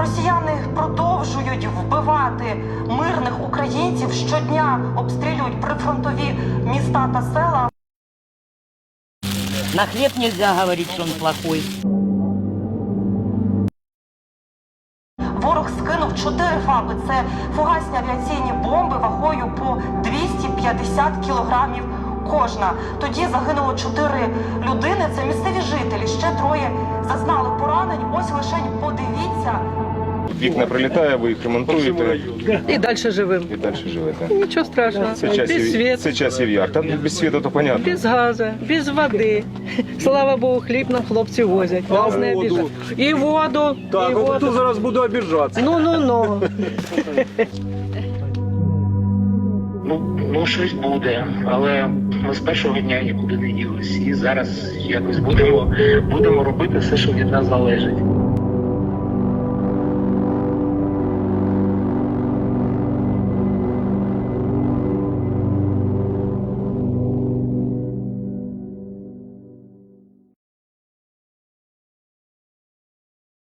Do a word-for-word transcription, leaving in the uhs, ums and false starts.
Росіяни продовжують вбивати мирних українців, щодня обстрілюють прифронтові міста та села. На хлеб нельзя говорить, что он плохой. Ворог скинув чотири фаби. Це фугасні авіаційні бомби вагою по двісті п'ятдесят кілограмів кожна. Тоді загинуло чотири людини. Це місцеві жителі. Ще троє зазнали поранень. Ось лишень подивіться. Вікна прилітає, ви їх ремонтуєте І далі живемо. і далі живете. Нічого страшного. Це Без часів, світу, це часів яр. Та без світу то понятно. без газу, без води. Слава Богу, хліб нам хлопці возять. Нас не воду? обіжають. І воду, Так, і от воду. тут зараз буду обіжатися. Ну-ну-ну. Ну, ну щось буде, але ми з першого дня нікуди не ділись. І зараз якось будемо, будемо робити все, що від нас залежить.